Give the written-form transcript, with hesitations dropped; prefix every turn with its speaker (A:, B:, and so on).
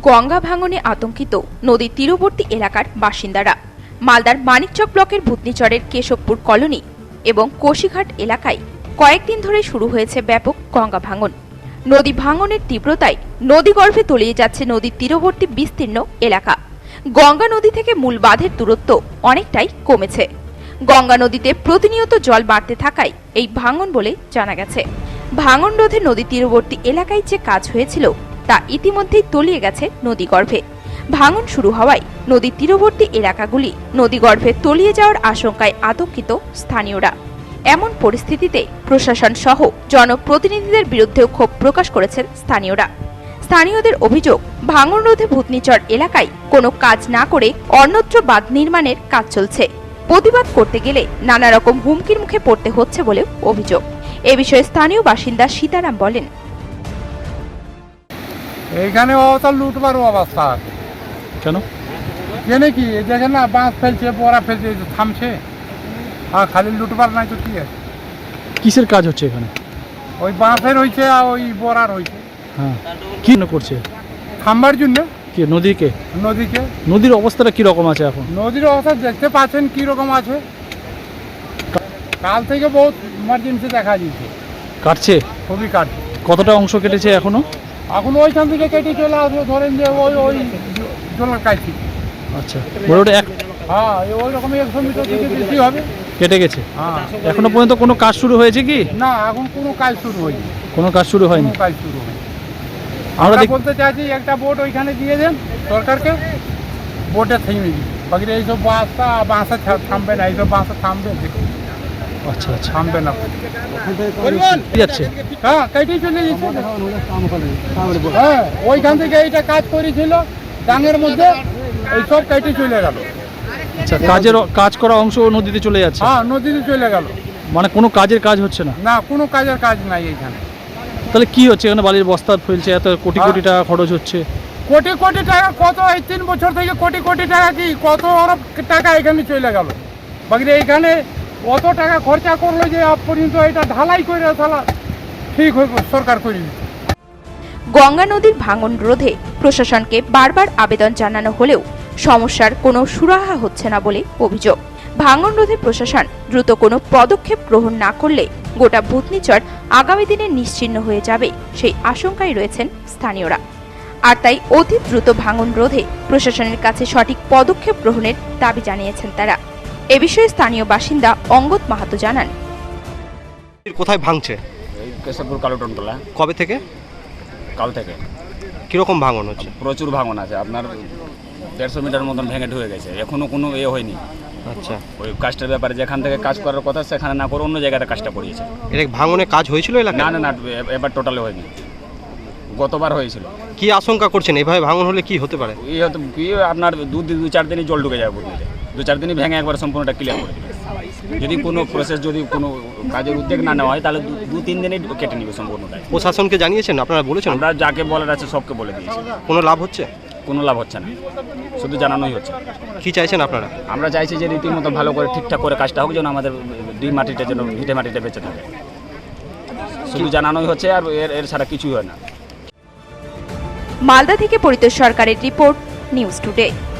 A: গঙ্গা ভাঙনে আতঙ্কিত নদীর তীরবর্তী এলাকার বাসিন্দারা। মালদার মানিকচক ব্লকের ভূতনিচরের কেশবপুর কলোনি এবং কোশিঘাট এলাকায় কয়েকদিন ধরে শুরু হয়েছে ব্যাপক গঙ্গা ভাঙন। নদী ভাঙনের তীব্রতায় নদীগর্ভে তলিয়ে যাচ্ছে নদীর তীরবর্তী বিস্তীর্ণ এলাকা। গঙ্গা নদী থেকে মূল বাঁধের দূরত্ব অনেকটাই কমেছে। গঙ্গা নদীতে প্রতিনিয়ত জল বাড়তে থাকায় এই ভাঙন বলে জানা গেছে। ভাঙন রোধে নদী তীরবর্তী এলাকায় যে কাজ হয়েছিল তা ইতিমধ্যেই তলিয়ে গেছে নদীগর্ভে। ভাঙন শুরু হওয়ায় নদীর তীরবর্তী এলাকাগুলি নদীগর্ভে তলিয়ে যাওয়ার আশঙ্কায় আতঙ্কিত স্থানীয়রা। এমন পরিস্থিতিতে প্রশাসন সহ জনপ্রতিনিধিদের বিরুদ্ধেও ক্ষোভ প্রকাশ করেছেন স্থানীয়রা। স্থানীয়দের অভিযোগ, ভাঙন রোধে ভূতনিচর এলাকায় কোনো কাজ না করে অন্যত্র বাঁধ নির্মাণের কাজ চলছে। প্রতিবাদ করতে গেলে নানা রকম হুমকির মুখে পড়তে হচ্ছে বলে অভিযোগ। এ বিষয়ে স্থানীয় বাসিন্দা সীতারাম বলেন,
B: এইখানে লুটবার অবস্থা আছে।
C: কেন
B: জেনে কি দেখেন না, বাঁশ ফেলছে, বড়া ফেলছে, থামছে, আর খালি লুটবার নাই তো কি আছে।
C: কিসের কাজ হচ্ছে এখানে?
B: ওই বাঁশের হয়েছে আর ওই বড়ার হয়েছে।
C: হ্যাঁ, কি করছে?
B: থামবার জন্য।
C: কি নদীকে?
B: নদীকে।
C: নদীর অবস্থাটা কি রকম আছে এখন?
B: নদীর অবস্থা দেখতে পাচ্ছেন কি রকম আছে। কাল থেকে বহুত ইমার্জেন্সি দেখা দিচ্ছে।
C: কাটছে?
B: খুবই কাটছে।
C: কতটা অংশ কেটেছে এখনো?
B: এখন ওইখান থেকে কেটে চলে আসবে, ধরেন যে ওই ওই জলের কাছে।
C: আচ্ছা, বড়টা
B: হ্যাঁ, ওই রকম 100 মিটার থেকে বেশি হবে।
C: কেটে গেছে?
B: হ্যাঁ।
C: এখনো পর্যন্ত কোনো কাজ শুরু হয়েছে কি?
B: না, এখন কোনো কাজ শুরু হয়নি।
C: কোনো কাজ শুরু হয়নি?
B: কাজ শুরু হয়নি। আমরা বলতে চাইছি একটা বোট ওইখানে দিয়ে দেন সরকারকে, বোটে থেমে দিই। বাকি এইসব বাঁশে থামবে না, এইসব বাঁশে থামবে।
C: আচ্ছা আচ্ছা,
B: থামবে না।
C: যাচ্ছে?
B: হ্যাঁ, কেটেই চলে যাচ্ছে। হ্যাঁ, ওইখান থেকে এইটা কাজ করেছিল ডাঙের মধ্যে, এইসব কেটে চলে গেল।
C: আচ্ছা, কাজ করা অংশ নদীতে চলে যাচ্ছে?
B: হ্যাঁ, নদীতে চলে গেল। মানে
C: কোনো কাজের কাজ হচ্ছে না?
B: না, কোনো কাজের কাজ নাই এইখানে।
C: তাহলে কি হচ্ছে এখানে? বালির বস্তা ফেলছে, এত কোটি কোটি টাকা খরচ হচ্ছে।
B: কোটি কোটি টাকা কত, এই 3 বছর থেকে কোটি কোটি টাকা কি কত অরব টাকা এখানে চলে গেল। বাকি এইখানে অত টাকা খরচা করলো যে আজ পর্যন্ত এটা ঢালাই করে তাহলে ঠিক হইব, সরকার করে দিচ্ছে।
A: গঙ্গা নদীর ভাঙন রোধে প্রশাসনকে বারবার আবেদন জানানো হলেও সমস্যার কোনো সুরাহা হচ্ছে না বলে অভিযোগ। ভাঙন রোধে প্রশাসন দ্রুত কোনো পদক্ষেপ গ্রহণ না করলে গোটা ভূতনিচর আগামী দিনে নিশ্চিহ্ন হয়ে যাবে সেই আশঙ্কায় রয়েছেন স্থানীয়রা। আর তাই অতি দ্রুত ভাঙন রোধে প্রশাসনের কাছে সঠিক পদক্ষেপ গ্রহণের দাবি জানিয়েছেন তারা। এ বিষয়ে স্থানীয় বাসিন্দা অঙ্গদ মাহাতো জানান,
D: কোথায় ভাঙছে?
E: এই কেশবপুর কালুটনতলা।
D: কবে থেকে?
E: কাল থেকে।
D: কিরকম ভাঙন হচ্ছে?
E: প্রচুর ভাঙন আছে, আপনার 150 মিটার মতন ভেঙে ঢুকে গেছে, এখনো কোনো হয়নি।
D: আচ্ছা,
E: ওই কাজটার ব্যাপারে যেখান থেকে কাজ করার কথা সেখানে না করে অন্য জায়গাতে কাজটা করিয়েছে।
D: এটা ভাঙনে কাজ হয়েছিল এলাকায়?
E: না না না, এবার টোটালি হয়নি, গতবার হয়েছিল।
D: কি আশঙ্কা করছেন এইভাবে ভাঙন হলে কি হতে পারে?
E: হয়তো কি আপনার 2-4 দিনই জল ঢুকে যাবে বুঝতে, 2-4 দিনই ভেঙে একবার সম্পূর্ণটা ক্লিয়ার করে দেবে। যদি কোনো প্রসেস, যদি কোনো কাজের উদ্যোগ না নেওয়া হয় তাহলে 2-3 দিনই কেটে নেবে সম্পূর্ণটা।
D: প্রশাসনকে জানিয়েছেন? আপনারা বলেছেন?
E: আমরা যাকে বলার আছে সবকে বলে দিয়েছি।
D: কোনো লাভ হচ্ছে?
E: কোনো লাভ হচ্ছে না, শুধু জানানোই হচ্ছে।
D: কি চাইছেন আপনারা?
E: আমরা চাইছি যে রীতিমতো ভালো করে ঠিকঠাক করে কাজটা হোক, যেন আমাদের দুই মাটিটা যেন ভিটে মাটিটা বেঁচে থাকে। শুধু জানানোই হচ্ছে, আর এর ছাড়া কিছুই হয় না।
A: মালদা থেকে পরিতোষ সরকারের রিপোর্ট, নিউজ টুডে।